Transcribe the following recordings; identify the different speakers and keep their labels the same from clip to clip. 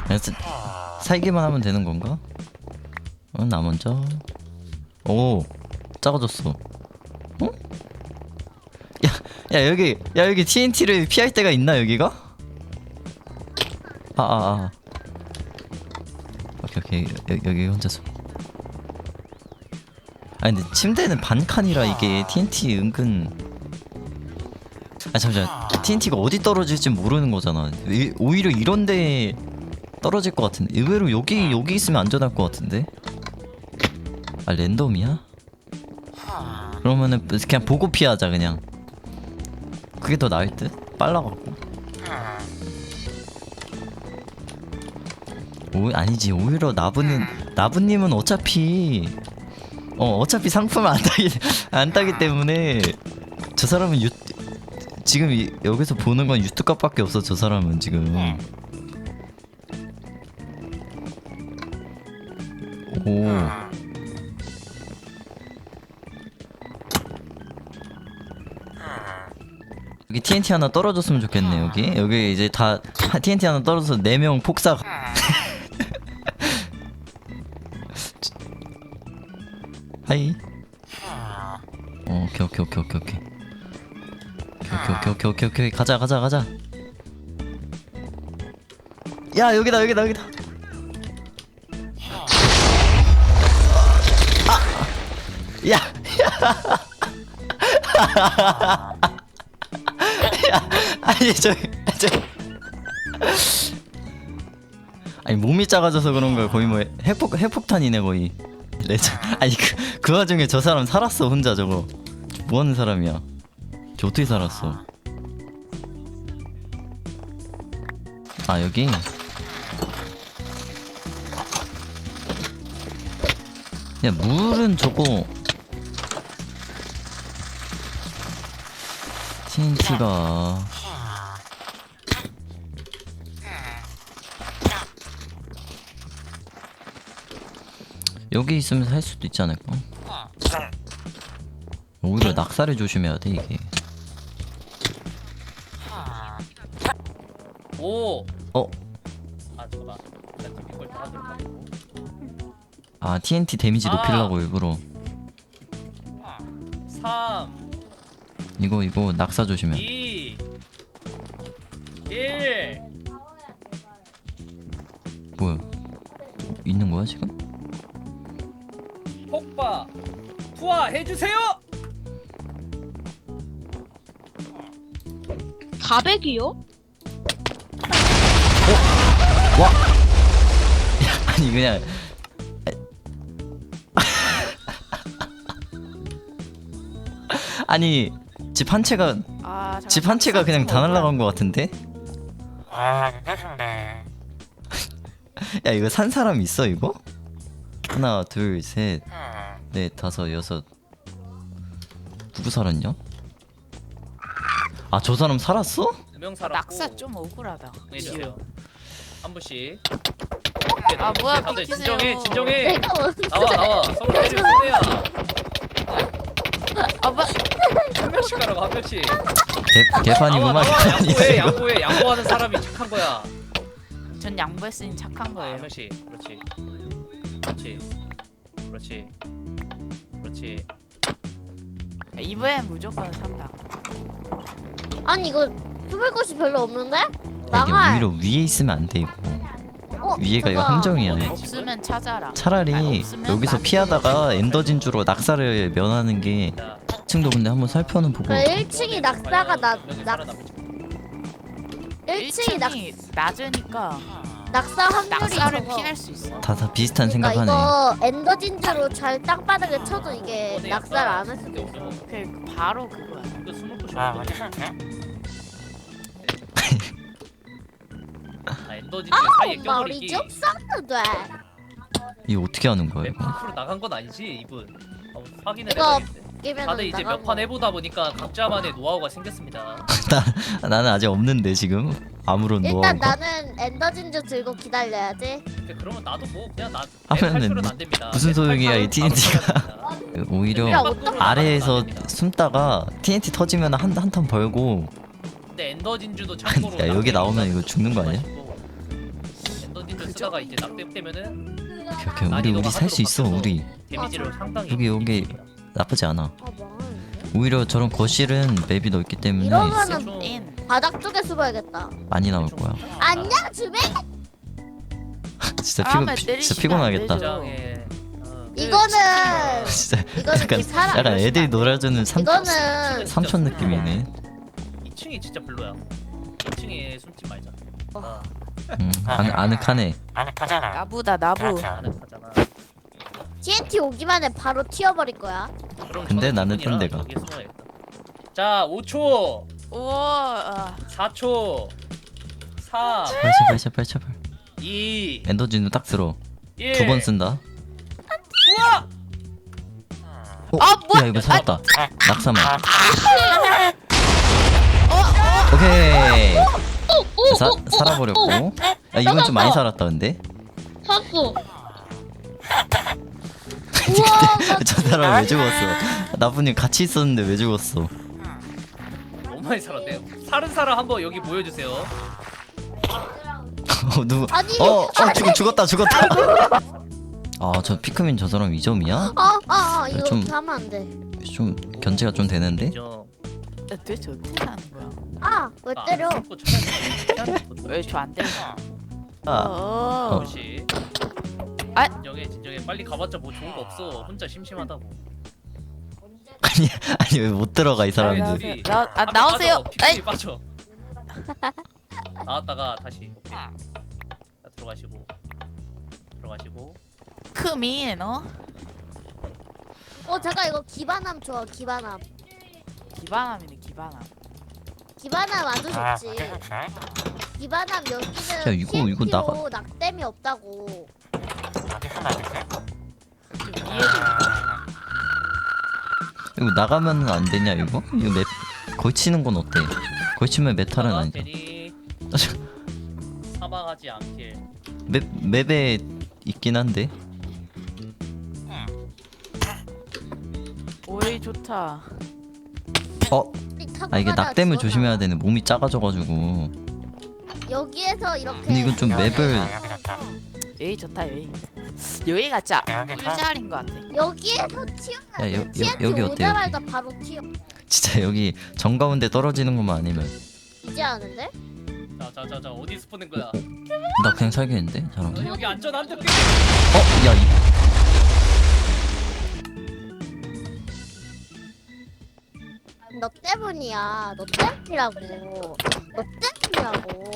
Speaker 1: 그래서 살기만 하면 되는 건가? 나 먼저. 오, 작아졌어. 어? 야 여기 TNT를 피할 데가 있나 여기가? 오케이 여기 혼자서. 아니 근데 침대는 반칸이라 이게 TNT 은근. 잠시만, TNT가 어디 떨어질지 모르는 거잖아. 오히려 이런데 떨어질 것 같은데. 의외로 여기 있으면 안전할 것 같은데. 랜덤이야? 그러면은 그냥 보고 피하자 그냥. 그게 더 나을 듯? 빨라갖고. 아니지, 오히려 나부님은 어차피 상품을 안 따기 때문에 저 사람은 지금 여기서 보는 건 유튜값밖에 없어. 저 사람은 지금. 오. 여기 TNT 하나 떨어졌으면 좋겠네. 여기 이제 다 TNT 하나 떨어져서 4명 폭사. 하이. 오케이. 가자. 야, 여기다. 야. 아니 아니 몸이 작아져서 그런 거야. 거의 뭐 핵폭탄이네 거의. 아니 그 와중에 저 사람 살았어 혼자. 저거 뭐 하는 사람이야? 저 어떻게 살았어? 여기. 야, 물은 저거 TNT가 여기 있으면 살 수도 있지 않을까? 오히려 낙사를 조심해야 돼 이게.
Speaker 2: 오.
Speaker 1: 잠깐만. TNT 데미지 높이려고 일부러.
Speaker 2: 3
Speaker 1: 이거 낙사 조심해.
Speaker 2: 2 1
Speaker 1: 뭐야? 있는 거야 지금?
Speaker 2: 폭파 투하해주세요.
Speaker 3: 가백이요?
Speaker 1: 와! 아니 그냥 아니 집 한 채가 그냥 다 날라간 것 같은데? 야, 이거 산 사람 있어 이거? 하나, 둘, 셋, 넷, 다섯, 여섯. 누구 살았냐? 저 사람 살았어?
Speaker 2: 2명 살았고.
Speaker 3: 낙사 좀 억울하다.
Speaker 2: 네, 주세요. 한 분씩.
Speaker 3: 뭐야,
Speaker 2: 다들
Speaker 3: 비키세요.
Speaker 2: 진정해. 나와. 서로 때리고 손해야.
Speaker 3: 뭐?
Speaker 2: 한 명씩 가라고 한 명씩.
Speaker 1: 개판이구만.
Speaker 2: 양보해. 양보하는 사람이 착한 거야.
Speaker 3: 전 양보했으니 착한
Speaker 2: 한
Speaker 3: 거예요.
Speaker 2: 명씩. 그렇지.
Speaker 3: 이번엔 무조건 산다.
Speaker 4: 아니 이거 숨을 곳이 별로 없는데?
Speaker 1: 이게
Speaker 4: 나가.
Speaker 1: 오히려 위에 있으면 안 돼 이거. 위에가 이거
Speaker 4: 잠깐.
Speaker 1: 함정이야.
Speaker 3: 없으면 찾아라.
Speaker 1: 차라리
Speaker 3: 없으면
Speaker 1: 여기서
Speaker 3: 나중에
Speaker 1: 피하다가 엔더진주로 낙사를 면하는 게. 2층도 근데 한번 살펴는 보고.
Speaker 4: 1층이 낙사가 낙 1층이
Speaker 3: 1층이 낮으니까
Speaker 4: 낙사 확률이
Speaker 3: 낙사를
Speaker 4: 적어.
Speaker 3: 피할 수 있어.
Speaker 1: 다 비슷한
Speaker 4: 그러니까
Speaker 1: 생각하네.
Speaker 4: 이거 엔더 진주로 잘 땅바닥에 쳐도 이게 낙사를 안 할 수도 있어.
Speaker 3: 그 바로 그거야.
Speaker 2: 이거 숨을 곳이 엔더진주 사이에
Speaker 4: 머리
Speaker 2: 껴버리기.
Speaker 4: 좀 써도 돼.
Speaker 1: 이거 어떻게 하는 거야 이거?
Speaker 2: 100% 나간 건 아니지 이분. 확인을
Speaker 4: 이거
Speaker 2: 해봐야겠네.
Speaker 4: 게임에는
Speaker 2: 다들 이제 몇 판 해보다 보니까 각자만의 노하우가 생겼습니다.
Speaker 1: 나는 아직 없는데 지금 아무런
Speaker 4: 일단
Speaker 1: 노하우가.
Speaker 4: 나는 엔더 진주 들고 기다려야지.
Speaker 2: 그러면 나도 뭐 그냥 나
Speaker 1: 하면은
Speaker 2: 할 안 됩니다.
Speaker 1: 무슨 소용이야, 이 TNT가. 오히려
Speaker 4: 야, 어떡해.
Speaker 1: 아래에서 숨다가 TNT 터지면 한 턴 벌고.
Speaker 2: 근데 엔더 진주도 참고로
Speaker 1: 야, 여기 나오면 이거 죽는 거 아니야?
Speaker 2: 엔더 진주 하다가 이제 낙뎀되면은
Speaker 1: 오케이 우리 살 수 있어 우리.
Speaker 2: 데미지를 상당히
Speaker 1: 여기
Speaker 2: 입힙니다.
Speaker 1: 나쁘지 않아.
Speaker 4: 아 망하는데?
Speaker 1: 오히려 저런 거실은 맵이 넓기 때문에
Speaker 4: 이러면은
Speaker 2: 좀
Speaker 3: 인.
Speaker 4: 바닥 쪽에 숨어야겠다.
Speaker 1: 많이 나올 거야.
Speaker 4: 안녕 주배.
Speaker 1: 진짜
Speaker 3: 다음에
Speaker 1: 진짜
Speaker 3: 때리시면
Speaker 1: 피곤하겠다.
Speaker 3: 안 되죠.
Speaker 2: 굉장히
Speaker 4: 이거는
Speaker 1: 진짜
Speaker 4: 이거는
Speaker 1: 약간
Speaker 4: 사람.
Speaker 1: 약간 애들이 놀아주는
Speaker 4: 이거는
Speaker 1: 삼촌 느낌이네.
Speaker 2: 2층이 진짜 별로야. 2층에 숨지 말자. 아,
Speaker 1: 아늑하네.
Speaker 3: 나부다 나부.
Speaker 2: 아늑하잖아.
Speaker 4: TNT 오기만 해 바로 튀어버릴 거야.
Speaker 2: 그럼
Speaker 1: 근데
Speaker 2: 저는
Speaker 1: 나는
Speaker 2: 기분이라
Speaker 1: 뜬 데가.
Speaker 2: 여기에 숨어야겠다. 자, 5초,
Speaker 3: 우와.
Speaker 2: 4초, 3,
Speaker 1: 제발
Speaker 2: 2,
Speaker 1: 엔더진도 딱 들어.
Speaker 2: 1.
Speaker 1: 2번 쓴다.
Speaker 2: 우와!
Speaker 1: 야 이거 살았다. 낙사만. 오케이. 살아버렸고. 야 이건 좀 많이 살았다 근데.
Speaker 4: 샀어.
Speaker 1: 저 사람 왜 죽었어? 나쁜님 같이 있었는데 왜 죽었어?
Speaker 2: 너무 많이 살았네요. 사는 사람 한번 여기 모여주세요.
Speaker 1: 누구?
Speaker 4: 아니,
Speaker 1: 죽었다. 아 저 피크민 저 사람 2점이야?
Speaker 4: 이거
Speaker 1: 좀-
Speaker 4: 하면 안 돼.
Speaker 1: 좀 견제가 좀 되는데?
Speaker 2: 인정.
Speaker 3: 도대체 어떻게 하는 거야?
Speaker 4: 왜 때려?
Speaker 3: 왜 저 안 때려?
Speaker 1: 아,
Speaker 2: 혹시
Speaker 3: 아.
Speaker 2: 진정해 빨리 가봤자 뭐 좋은 거 없어. 혼자 심심하다고.
Speaker 1: 아니 왜 못 들어가 이 사람이?
Speaker 3: 아,
Speaker 2: 둘이
Speaker 3: 나오세요.
Speaker 2: 피크닉 빠져. 나왔다가 다시. 오케이. 자, 들어가시고
Speaker 3: 크민
Speaker 4: 잠깐 이거 기반함 좋아. 기반함
Speaker 3: 기반함이네 기반함.
Speaker 4: 아주 좋지. 기반함 여기는
Speaker 1: 야, 이거
Speaker 4: TNT 로
Speaker 1: 나가-
Speaker 4: 낙댐이 없다고.
Speaker 3: 좀 이해도.
Speaker 1: 이거 나가면 안 되냐 이거? 이거 맵 걸치는 건 어때? 걸치면 메탈은 아니잖아.
Speaker 2: 괜히 사망하지 않길.
Speaker 1: 맵에 있긴 한데.
Speaker 3: 오이 좋다.
Speaker 1: 아 이게 낙댐을 조심해야 되네. 몸이 작아져가지고.
Speaker 4: 여기에서 이렇게.
Speaker 1: 근데 이건 좀 맵을
Speaker 3: 여기 좋다 여기. 여기가 진짜 꿀자리인 것 같아.
Speaker 4: 여기에서 튀어야
Speaker 1: 야,
Speaker 4: 돼. TNT
Speaker 1: 여기 어때,
Speaker 4: 오자마자 바로 튀어.
Speaker 1: 진짜 여기 정가운데 떨어지는 것만 아니면
Speaker 4: 이제 아는데?
Speaker 2: 자 어디 스포는 거야?
Speaker 1: 나 그냥 살겠는데 저런 거.
Speaker 2: 너 여기 안전 안 돼.
Speaker 1: 야
Speaker 4: 너 때문이야. 너 때문이라고. 너 때문이라고.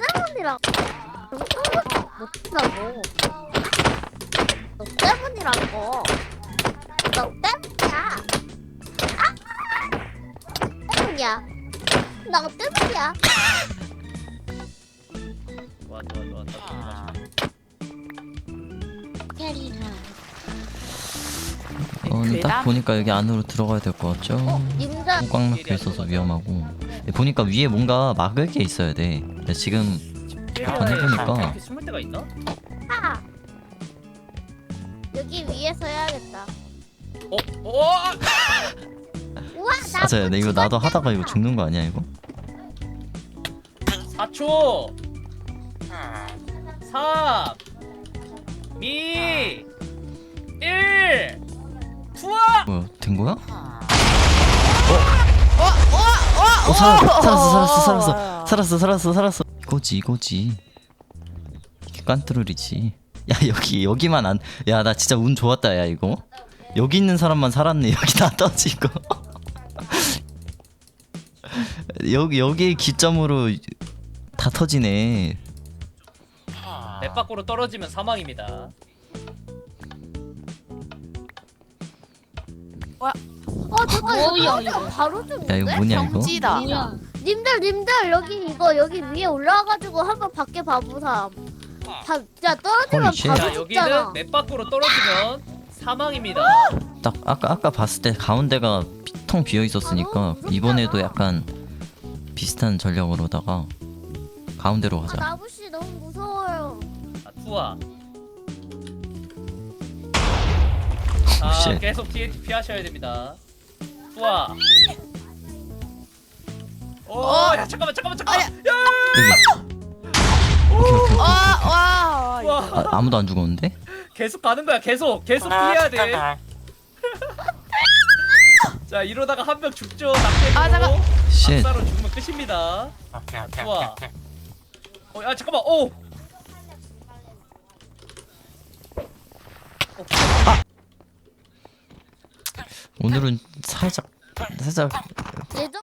Speaker 4: 너 때문이라고. 너 때문이야. 때문이야. 너 때문이야.
Speaker 2: 좋아.
Speaker 4: 캐리나.
Speaker 1: 근데 딱
Speaker 3: 괴담?
Speaker 1: 보니까 여기 안으로 들어가야 될 것 같죠?
Speaker 4: 님들
Speaker 1: 꽉 막혀 있어서 위험하고. 보니까 위에 뭔가 막을 게 있어야 돼. 근데 지금 해보니까.
Speaker 2: 이렇게 숨을 데가 있나?
Speaker 4: 하. 여기 위에서 해야겠다.
Speaker 2: 우와
Speaker 4: 나
Speaker 1: 맞아요. 이거 나도 하다가 이거 죽는 거 아니야 이거?
Speaker 2: 4초 3 2 1 투하!
Speaker 1: 뭐야 된 거야?
Speaker 3: 어,
Speaker 1: 살았어. 이거지. 이게 깐뚜루리지. 야 여기만 안. 야 나 진짜 운 좋았다 야 이거. 여기 있는 사람만 살았네. 여기 다 떠지고. 여기 기점으로 다 터지네.
Speaker 2: 맵 밖으로 떨어지면 사망입니다.
Speaker 4: 잠깐
Speaker 5: 뭐야,
Speaker 4: 이거 바로 좀.
Speaker 1: 야 이거 뭐냐 이거?
Speaker 3: 경지다.
Speaker 4: 님들 여기 위에 올라와가지고 한번 밖에 봐보삼. 야 떨어지면
Speaker 1: Holy shit.
Speaker 4: 바로
Speaker 2: 자,
Speaker 4: 죽잖아.
Speaker 2: 여기는 맵 밖으로 떨어지면 사망입니다.
Speaker 1: 딱 아까 봤을 때 가운데가 텅 비어 있었으니까 이번에도 약간 비슷한 전략으로다가 가운데로 가자.
Speaker 4: 나부씨 너무 무서워요.
Speaker 2: 자, 투하. 자,
Speaker 1: 쉣.
Speaker 2: 계속 TNT 피하셔야 됩니다. 투하. 야 잠깐만. 야!
Speaker 1: 여기. 오케이.
Speaker 3: 와
Speaker 2: 와.
Speaker 1: 아무도 안 죽었는데?
Speaker 2: 계속 가는 거야. 계속 피해야 돼. 자 이러다가 한 명 죽죠.
Speaker 3: 아, 잠깐.
Speaker 2: 낙대로.
Speaker 1: 쉣.
Speaker 2: 낙사로 죽으면 끝입니다. 좋아. 야 잠깐만. 오.
Speaker 1: 오늘은 살짝
Speaker 4: 예전